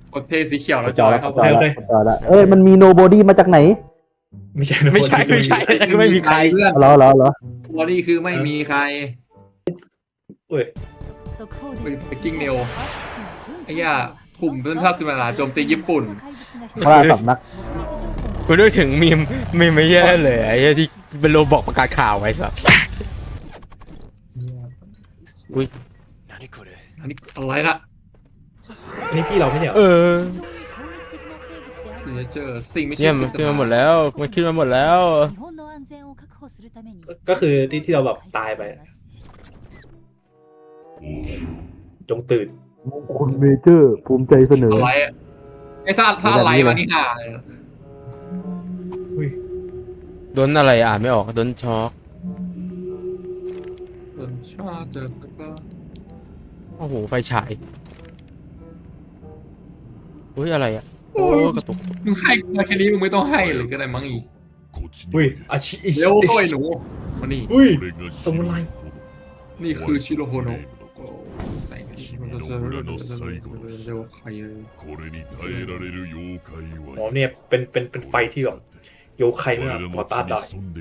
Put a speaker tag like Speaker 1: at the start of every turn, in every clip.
Speaker 1: กดเทสีเขียวแล้วจ
Speaker 2: จ
Speaker 1: อ
Speaker 2: อย แล้ว
Speaker 1: เข้า
Speaker 2: จ
Speaker 1: ไป
Speaker 2: อยแล้วจอยแล้วมันมีโนบอดี้มาจากไหน
Speaker 3: ไม่ใช่
Speaker 4: ไม่ใช่ไม่มีใคร
Speaker 1: เพื่อน
Speaker 2: เหรอ
Speaker 1: บอดี้คือไม่มีใคร
Speaker 3: เว้ย
Speaker 1: ไปกิ้งเนวไอ้ย่ากลุ่มเพื่อนภาพสิมาลาโจมตีญี่ปุ่น
Speaker 2: พระราสำนัก
Speaker 4: กูนึกถึงมีมไม่แย่เลยไอ้เหี้ยที่เป็นโรบอกประกาศข่าวไว้สัส
Speaker 1: อันนี้อะไรนะ
Speaker 3: อันนี้พี่เราไม่ใช่เหรอ
Speaker 1: เดี๋ยวเจอสิ่งไม่ใช่
Speaker 4: เนี่ยมันขึ้นมาหมดแล้วมันขึ้นมาหมดแล้ว
Speaker 3: ก็คือที่เราแบบตายไปจงตื่น
Speaker 2: มงคลเมเจอร์ภูมิใจเสนอ
Speaker 1: อะไรอะไอ้ถ้าอะไรมานี่ห่าเลย
Speaker 3: อุ้ย
Speaker 4: โดนอะไรอ่านไม่ออกโดนช็อก
Speaker 1: ส่วนชาติเจอก็
Speaker 4: โอ้โหไฟฉายอุ้ยอะไรอ่ะโอ้กระตุก
Speaker 1: มึงให้มาแค่นี้มึงไม่ต้องให้เลยก็ได้มั้งอีก
Speaker 3: อุ้ยอาชิ
Speaker 1: เร็วเข้าไอ้หนูมานี่
Speaker 3: อุ้ยสมุไร
Speaker 1: นี่คือชิโรโฮโนะใส่ที่มันจะเร็วใครเลย
Speaker 3: อ๋อเนี่ยเป็นไฟที่แบบโยใครเนี่ยพอต้านได้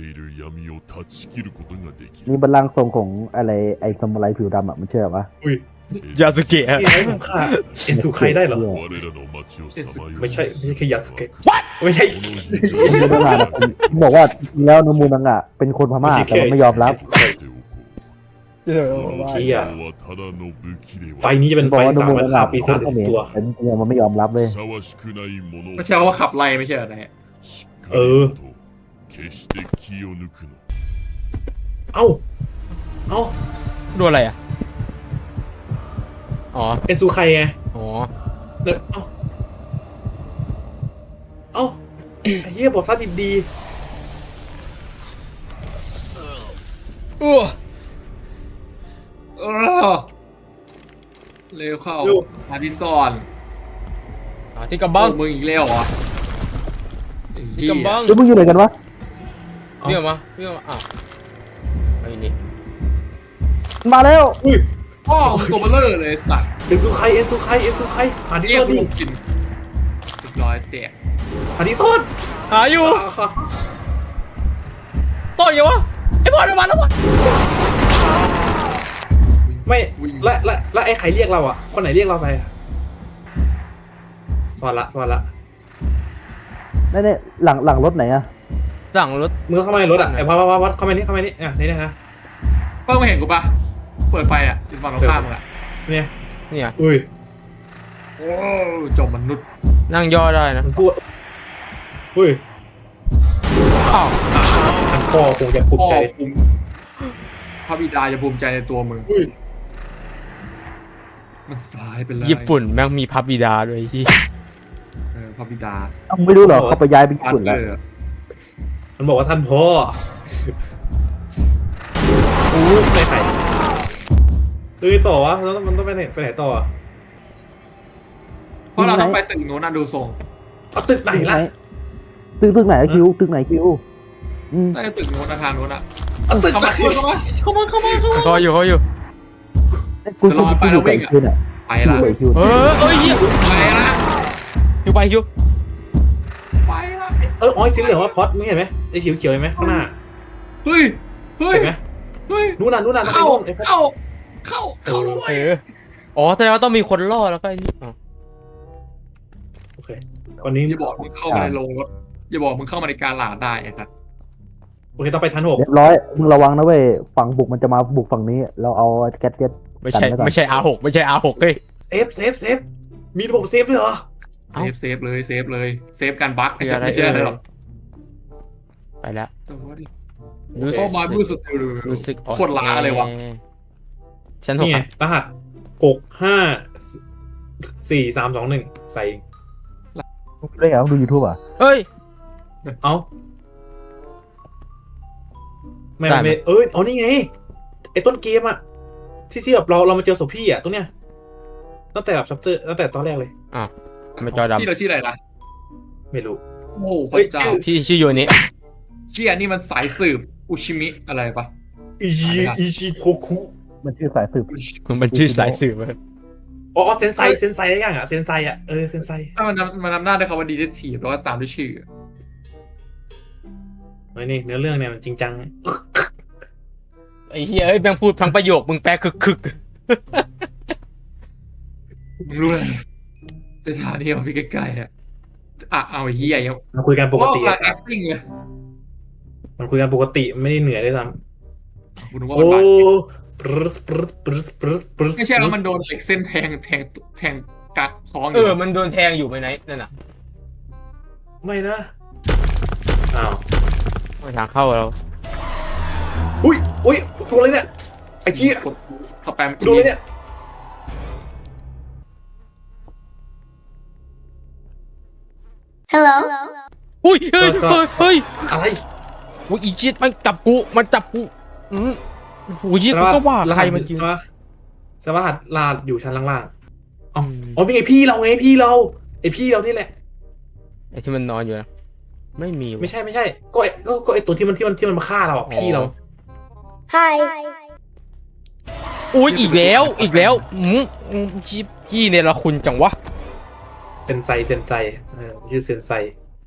Speaker 2: มีบัลลังก์ทรงของอะไรไอ้ซามูไรผิวดำอ่ะมันเชื่อปะ
Speaker 3: อุ้ย
Speaker 4: ยาสุเกะ
Speaker 3: นี่ไอ้ผมฆ่าเอ็นสุไคได้เหรอไม่ใช่แค่ยาสุเกะไม่ใช่
Speaker 2: มูนังอะบอกว่าจริงแล้วนมูนังอะเป็นคนพม่าแต่ว่าไม่ยอมรับ
Speaker 3: เชี่ยไฟนี้จะเป็น
Speaker 2: บอ
Speaker 3: ไฟ
Speaker 2: กว่าน
Speaker 3: สาม
Speaker 2: มู
Speaker 3: พั
Speaker 2: นั
Speaker 3: น
Speaker 2: ง
Speaker 3: ฆ่า
Speaker 2: อะ
Speaker 3: ปี
Speaker 2: เป็นค
Speaker 3: ศาน จ
Speaker 2: เขมร
Speaker 3: ตัว
Speaker 2: แต่จริงๆมันไม่ยอมรับเลย
Speaker 1: ไม่ใช่ว่าขับไล่ไม่ใช่อะไร
Speaker 3: เออ เอ้า เอ้า
Speaker 4: ดูอะไรอ่ะอ๋อ
Speaker 3: เอ็นสุไคไง
Speaker 4: อ๋อ
Speaker 3: เนอะเอ้า เอ้าไอ้เหี้ยบอกซะดี
Speaker 4: อ้ว
Speaker 1: เร็วเข้ามาที่ซ่อน
Speaker 4: ที่กำบัง
Speaker 1: มึงอีกแล้วเหรอ
Speaker 4: ที่กำบัง
Speaker 2: แล้วมึงอยู่ไหนกันวะ
Speaker 4: เรียกมาอ้าวไอ้นี่
Speaker 2: มาแล้ว
Speaker 3: ๆอุ้ย
Speaker 1: พ่อมึงตัวเบลเลอร์เลยสัตว์
Speaker 3: เอ็นสุไคหาที่
Speaker 1: เรีย
Speaker 3: ซ่
Speaker 1: ก
Speaker 3: อน
Speaker 1: กู
Speaker 3: ดิ
Speaker 1: กินเรียบร้อยแตก
Speaker 3: หาที่ซ่อน
Speaker 4: หาอยู่
Speaker 3: ค่ะ
Speaker 4: ต่อยยังวะไอ้บอลมาแล้ววะ
Speaker 3: ไม่และไอ้ใครเรียกเราอ่ะ คนไหนเรียกเราไปอะซ่อนละ
Speaker 2: นี่หลังรถไหนอะ
Speaker 4: สั่งรถ
Speaker 3: มึงเข้ามาในรถอ่ะไอ้พัดเข้ามานี่นี่นะ
Speaker 1: เพิ่งมาเห็นกูปะเปิดไฟอ่ะอยู่ฝั่งตรงข้ามมึงอ่ะ
Speaker 3: เนี่ย
Speaker 4: เนี่ย
Speaker 3: อุ้ย
Speaker 1: โอ้จมมนุษย์
Speaker 4: นั่งย่อได้นะ
Speaker 3: มันพูดอุ้ย
Speaker 4: อ้าว
Speaker 3: อันพ่อคงจะภูมิใจ
Speaker 1: ภูมิพระบิดาจะภูมิใจในตัวมึง
Speaker 3: อุ้ย
Speaker 1: มันสายไปเลย
Speaker 4: ญี่ปุ่นแม่งมีพระบิดาด้วยที่
Speaker 1: พระบิดา
Speaker 2: มึงไม่รู้เหรอเขาไปย้ายไปญี่ปุ่นแล้ว
Speaker 3: มันบอกว่าท่านพ่ออู้ไม่ไข่เฮ้ยต่อวะมันต้องไปไหนต่ออ่ะ
Speaker 1: เพราะเราต้องไปตึกโน้นนะดูทรง
Speaker 3: เอาตึกไหนล่ะ
Speaker 2: ตึกไหนคิวตึกไหนคิว
Speaker 1: น่าจะตึกโน้นอาคารโน้นอ่ะ
Speaker 3: เอาตึก
Speaker 1: เข้า
Speaker 3: ไหน
Speaker 1: มาเข้ามา
Speaker 4: เขาอยู่
Speaker 2: กูอยู่กับคิวเนี่ย
Speaker 1: ไปละ
Speaker 2: อยู่กับคิว
Speaker 4: เอ้ยเหี้ย
Speaker 1: ไปละ
Speaker 4: คิวไปคิว
Speaker 1: ไปละ
Speaker 3: อ๋อสีเหลืองว่าพอดมึงเห็นไหมไอ้เขียวเห็นไหมข้างหน้า
Speaker 1: เฮ้ย
Speaker 3: เห็นไหม
Speaker 1: เฮ้ย
Speaker 3: นู่นน่ะ
Speaker 1: เข้าด้วย
Speaker 4: อ๋อแสดงว่าต้องมีคนรอดแล้วก็ไอ้นี่อ๋อ
Speaker 3: โอเคตอนนี้
Speaker 1: อย่าบอกมึงเข้ามาในโรงรถอย่าบอกมึงเข้ามาในการหลาได้ครับ
Speaker 3: โอเคต้องไปชั้น
Speaker 2: เรียบร้อยมึงระวังนะเว้ยฝั่งบุกมันจะมาบุกฝั่งนี้เราเอาแก๊ส
Speaker 4: ไม่ใช่ R6 ไม่ใช่ R6 เฮ้ย
Speaker 3: 6เซฟมีระบบเซฟด้วยเหรอ
Speaker 1: เซฟเลยเซฟการบั๊กไม่ใช่อะไรหรอก
Speaker 4: ไปแล้ว
Speaker 1: เข้ามาดูสุด
Speaker 4: รู้สึก
Speaker 1: โคตรล้าเลยวะ
Speaker 4: ชั้น6
Speaker 3: นี่ไงรหัส65431ใส่
Speaker 2: ได้เหรอดู YouTube อ่ะ
Speaker 4: เฮ้ย
Speaker 3: เอ้าไม่อ๋อนี่ไงไอ้ต้นเกมอะที่แบบเรามาเจอศพพี่อะตรงเนี้ยตั้งแต่แบบชัปเตอร์ตั้งแต่ตอนแรกเลย
Speaker 4: ไม่จอดำ
Speaker 1: ที่เราชื่ออะไรนะ
Speaker 3: ไม่รู้
Speaker 1: โอ้โหพระเจ้า
Speaker 4: พี่ชื่อโยนิ
Speaker 1: เชี่ยนี่มันสายสืบอุชิมิอะไรปะ
Speaker 3: อิชิโทคุ
Speaker 2: มันชื่อสายสืบ
Speaker 4: มันชื่อสายสืบ
Speaker 3: อ๋ออ๋อเซนไซอะไรอย่างอ่ะเซนไซอ่ะเซนไซ
Speaker 1: ถ้ามันนำหน้าด้วยคำว่าดีเทคทีฟแล้วก็ตามด้วยชื่อ
Speaker 3: เฮ้ยนี่เนื้อเรื่องเนี่ยมันจริงจัง
Speaker 4: ไอ้เหี้ยเอ้ยแม่งพูดทั้งประโยคมึงแปลคึก
Speaker 1: มึงรู้เลยสถานีของพี่ใกล้ๆอะเอาไอ้เหี้ยยัง
Speaker 3: มันคุยกันปกติ
Speaker 1: โอ้
Speaker 3: อะ
Speaker 1: กำลัง acting เลย
Speaker 3: มันคุยกันปกติไม่ได้เหนื่อยด้วยซ้
Speaker 1: กูนึก
Speaker 3: ำ
Speaker 1: ว่า
Speaker 3: โอ้
Speaker 1: มันบาด
Speaker 3: ปรึสปรึสปรึสปรึสปรึส
Speaker 1: ไม่ใช่แล้วมันโดนเหล็กเส้นแทงกัดท้องอ
Speaker 4: ๆ
Speaker 1: ยู่
Speaker 4: มันโดนแทงอยู่ไหมไหนนั่นน่ะ
Speaker 3: ไม่นะอ้าว
Speaker 4: ไม่ทางเข้าเรา
Speaker 3: อุ้ยโดนอะไรเนี่ยไอ้กี้
Speaker 1: กดสแปม
Speaker 3: โดนอะไรเนี่ย
Speaker 5: Hello.
Speaker 4: อุ้ยเฮ้ยเฮ้ย
Speaker 3: อะไร
Speaker 4: อุ้ยอีชิตมันจับกูโอ้ยกูก็ว่าใครมันจริง
Speaker 3: สวัสดิ์ลาดอยู่ชั้นล่างๆอ๋อเป็นไงพี่เราไงพี่เราไอพี่เรานี่แหละ
Speaker 4: ไอ้ที่มันนอนอยู่นะไม่มี
Speaker 3: ไม่ใช่ก็ไอตัวที่มันมาฆ่าเราอ่ะพี่เรา
Speaker 5: Hi.
Speaker 4: อุ้ยอีกแล้วขี้เนี่ยละคุณจังวะ
Speaker 3: เซนไซชื่อเซนไซ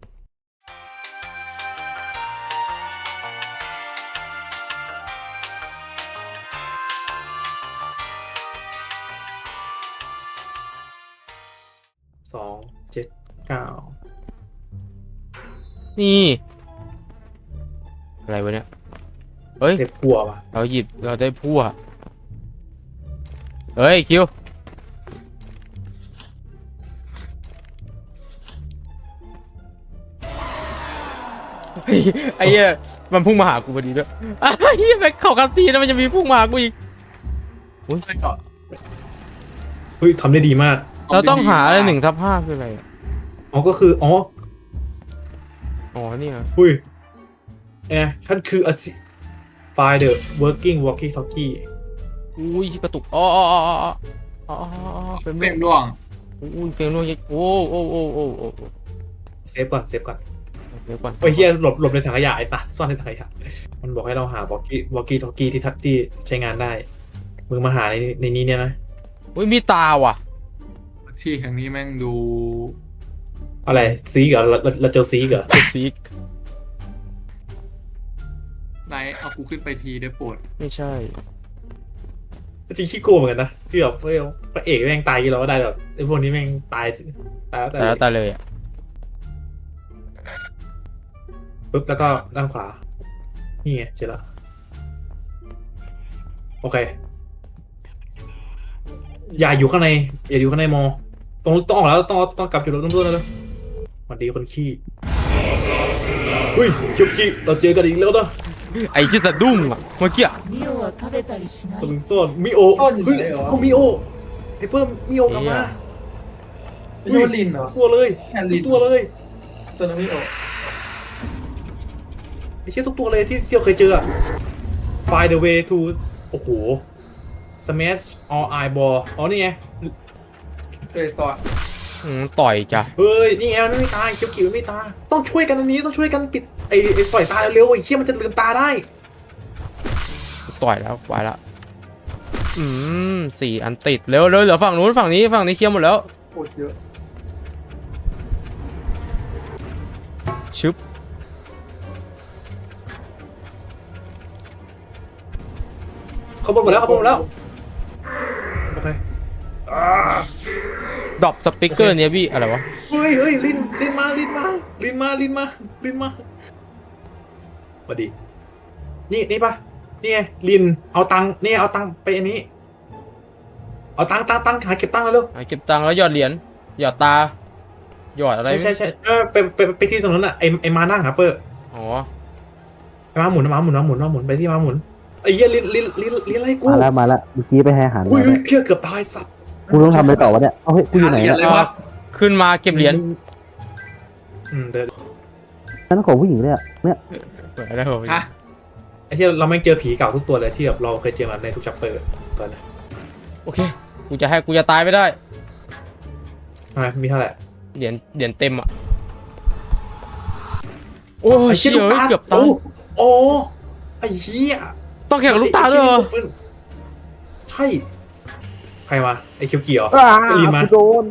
Speaker 3: 279
Speaker 4: นี่อะไรวะเนี่ยเฮ้ย
Speaker 3: เด็กขัวว่ะ
Speaker 4: เราได้พั่วเฮ้ยคิวไอ้เหี้ยมันพุ่งมาหากูพอดีด้วยไอ้เหี้ยแม่งเข้ากันตีนะมันจะมีพุ่งมาหากูอีก
Speaker 1: ไม่ก็
Speaker 3: เฮ้ยทำได้ดีมาก
Speaker 4: เราต้องหาอะไร1/5คืออะไรอะ
Speaker 3: อ๋อก็คืออ๋อ
Speaker 4: เนี่ย
Speaker 3: อุ้ยท่านคือFind the working walkie talkie
Speaker 4: อุ้ยกระตุกเป็น
Speaker 1: เปมร่วง
Speaker 4: อุ้ยเป็นร่วงยักโอ้
Speaker 3: เซฟก่อน
Speaker 4: เดี๋ยวก่อน
Speaker 3: ไอ้เฮียหลบในถังขยะไอ้ตัดซ่อนในถังขยะมันบอกให้เราหาwalkie talkieที่ใช้งานได้มึงมาหาในนี้เนี่ยนะ
Speaker 4: อุ้ยมีตาว่ะ
Speaker 1: ที่แห่งนี้แม่งดู
Speaker 3: อะไรซีเหรอเราเจอซีเหรอ
Speaker 4: เป็นซีก
Speaker 1: ไหนเอากูขึ้นไปทีได้โปรด
Speaker 4: ไม่ใช่
Speaker 3: จริงขี้โกงเหมือนกันนะที่แบบพระเอกแม่งตายกี่เราก็ได้แบบไอ้พวกนี้แม่งตายแล้ว
Speaker 4: แต่ตาเลยอ่ะ
Speaker 3: ปุ๊บแล้วก็ด้านขวานี่ไงเจอละโอเคอย่าอยู่ข้างในมอต้องออกแล้วต้องกลับจุดเริ่มต้นแล้วสวัสดีคนขี้เฮ้ยเคียวกิเราเจอกันอีกแล้วนะ
Speaker 4: ไอ้ที่สะดุ้งอ่ะเมื่อกี้
Speaker 5: ミオは食べたりしない
Speaker 3: ตะลึงซ่อนมิโอเฮ้ยเอามิโอไอ้เพิ่มมิโอกลับมา
Speaker 6: ไม่ใช่ว่าลินเหรอ
Speaker 3: ตัวเลย
Speaker 6: แอนลิ
Speaker 3: ทุ
Speaker 6: น
Speaker 3: กตัวเลย
Speaker 6: ตัวนั้นไม่ออก
Speaker 3: ไอ้เชี่ยทุกตัวเลยที่เราเคยเจอ Find the way to โอ้โห Smash all eye ball อ๋อนี่ไง
Speaker 6: เคยสอน
Speaker 4: ต่อยจ้ะ
Speaker 3: เฮ้ยนี่ไงมันไม่ตายเขียวๆไม่ตายต้องช่วยกันอันนี้ต้องช่วยกันปิดไอ้ปล่อยตาเร็วๆไอ้เชี่ยมันจะลืมตาได้
Speaker 4: ต่อยแล้วไปละ4 อันติดเร็วเหลือฝั่งนู้นฝั่งนี้เคลียร์หมดแล้ว
Speaker 6: โคตรเยอะ
Speaker 4: ชึบ
Speaker 3: เขาบอกหมดแล้วโอเค
Speaker 4: ดรอปสปิเกอร์เนี่ยพี่อะไรวะ
Speaker 3: เฮ้ยลินมาสวัสดีนี่ปะนี่ไงลินเอาตังค์นี่เอาตังค์ไปอันนี้เอาตังค์หาเก็บตังค์แล้วเร็ว
Speaker 4: เก็บตังค์แล้วหยอดเหรียญหยอดตาหยอดอะไร
Speaker 3: ใช่ไปที่ตรงนั้นอ่ะไอมานั่งครับเปอร์
Speaker 4: อ๋อ
Speaker 3: มาหมุนไปที่มาหมุนไอ้เหี้ยลินอะไรกู
Speaker 2: มาแล้วเมื่อกี้ไปให้อาหาร
Speaker 3: อุ้ย
Speaker 2: มาแล้ว
Speaker 3: เพี้ยเกือบตายสัตว์
Speaker 2: กูต้องทำอะไรต่อวะเนี่ยเฮ้ยกูอยู่ไหน
Speaker 1: เหรียญ
Speaker 2: เนี่ย
Speaker 1: เลยวะ
Speaker 4: ขึ้นมาเก็บเหรียญ
Speaker 3: เดิน
Speaker 2: นั่นของผู้หญิงเนี่ย
Speaker 4: แล้ว
Speaker 1: ฮะ
Speaker 3: ไอ้ที่เราไม่เจอผีเก่าทุกตัวเลยที่แบบเราเคยเจอมาในทุกชัปเตอร์ตอนนี้
Speaker 4: โอเคกูจะตายไม่ได้
Speaker 3: มีเท่าไหร่
Speaker 4: เหรียญเต็มอ่ะโอ้ย
Speaker 3: ไอ้
Speaker 4: เชี่
Speaker 3: เชี่
Speaker 4: ย
Speaker 3: ยลูกตา
Speaker 4: เกือบตาย
Speaker 3: โอ้ไอ้เหี้ย
Speaker 4: ต้องแข่งกับลูกตาด้วยเหรอ
Speaker 3: ใช่ใครรมาไอ้เคียวเกียว
Speaker 2: อ้า
Speaker 3: ไอ้ลินมา
Speaker 2: กูโดน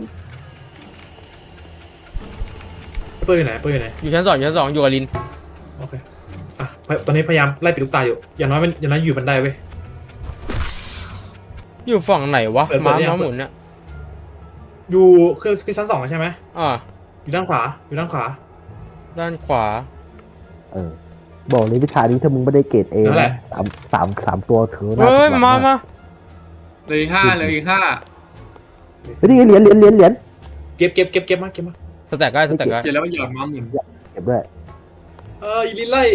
Speaker 3: เปิ้ลอยู่ไหนเปิ้ลอยู่ไหน
Speaker 4: อยู่ชั้น 2อยู่ชั้น 2อยู่กับลิน
Speaker 3: โอเคอ่ะตอนนี้พยายามไล่ปิดลูกตาอยู่อย่างน้อยอยู่บันไดเว้ย
Speaker 4: อยู่ฝั่งไหนวะ
Speaker 3: เปิด
Speaker 4: ม้า
Speaker 3: ยัง
Speaker 4: หมุนเนี่ย
Speaker 3: อยู่คือชั้น 2ใช่ไหม
Speaker 4: อ่า
Speaker 3: อยู่ด้านขวา
Speaker 4: ด้านขวา
Speaker 2: บอกเลยวิชานี้ถ้ามึงไม่ได้เกรดเอ
Speaker 3: นั่นแห
Speaker 2: นะ
Speaker 3: ละ
Speaker 2: สามตัวถือน่า
Speaker 4: เฮ้ย
Speaker 2: ผิดหวัง
Speaker 4: มา
Speaker 2: มาก
Speaker 1: เลยอีก5เลยอีก5
Speaker 2: เฮ้ยนี่ไงเหรียญ
Speaker 3: เก็บมา
Speaker 4: สแต็กได้สแต็กได้
Speaker 1: เดี๋ยวแล้วมันหยอดม้าหมุน
Speaker 2: เก็บด้วย
Speaker 3: อีลินไล่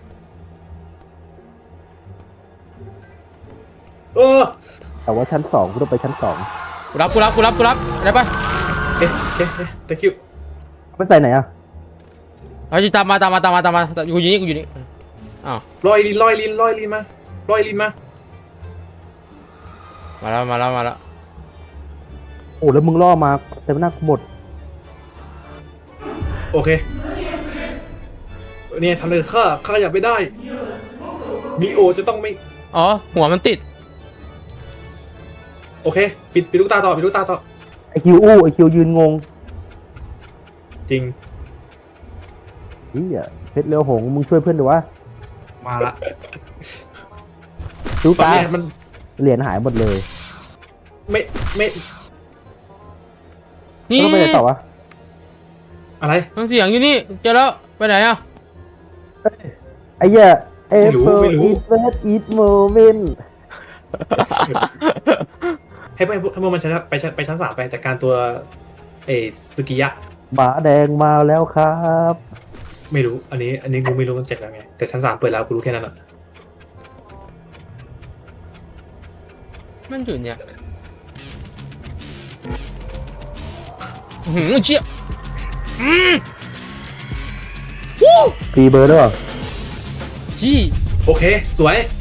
Speaker 2: แต่ว่าชั้น 2กูต้องไปชั้น 2
Speaker 4: กูรับอะไรปะ
Speaker 3: เอ๊ะthank you
Speaker 2: ไม่ใส่ไหนอ่ะ
Speaker 4: เอาจิตามมากูอยู่นี่อ้าว
Speaker 3: รอยลินมารอยลินมา
Speaker 4: มาแล้ว
Speaker 2: โอ้แล้วมึงล่อมาเต็มหน้ากูหมด
Speaker 3: โอเคเนี่ยทำเลยข้าอยากไปได้มีโอจะต้องไม่
Speaker 4: อ๋อหัวมันติด
Speaker 3: โอเคปิดลูกตาต่อ
Speaker 2: ไอคิวยืนงง
Speaker 3: จริง
Speaker 2: เฮียเพชรเรือหงส์มึงช่วยเพื่อนดูวะ
Speaker 1: มาละ
Speaker 2: ดู
Speaker 3: ตอน
Speaker 2: ตา
Speaker 3: เนี้ยมัน
Speaker 2: เหรียญหายหมดเลย
Speaker 3: ไม่
Speaker 4: นี่
Speaker 2: แล้วต้องไปไหนต่อวะ
Speaker 3: อะไร
Speaker 4: ทั้งเสียงอยู่นี่เจอแล้วไปไหนอ่ะ
Speaker 2: ไอ้เหี้ยเอ
Speaker 3: ไม่รู้
Speaker 2: เฟอร์อีทโมเมนต์
Speaker 3: ให้พวกมันไปชั้น 3ไปจัดการตัวสึกิยะ
Speaker 2: หมาแดงมาแล้วครับ
Speaker 3: ไม่รู้อันนี้กูไม่รู้มันจัดยังไงแต่ชั้น 3เปิดแล้วกูรู้แค่นั้นอ่ะ
Speaker 4: มันอยู่เนี่ยเจี๊ยบ
Speaker 2: ฟรีเบอร์ด้วย
Speaker 4: จี้
Speaker 3: โอเคสวย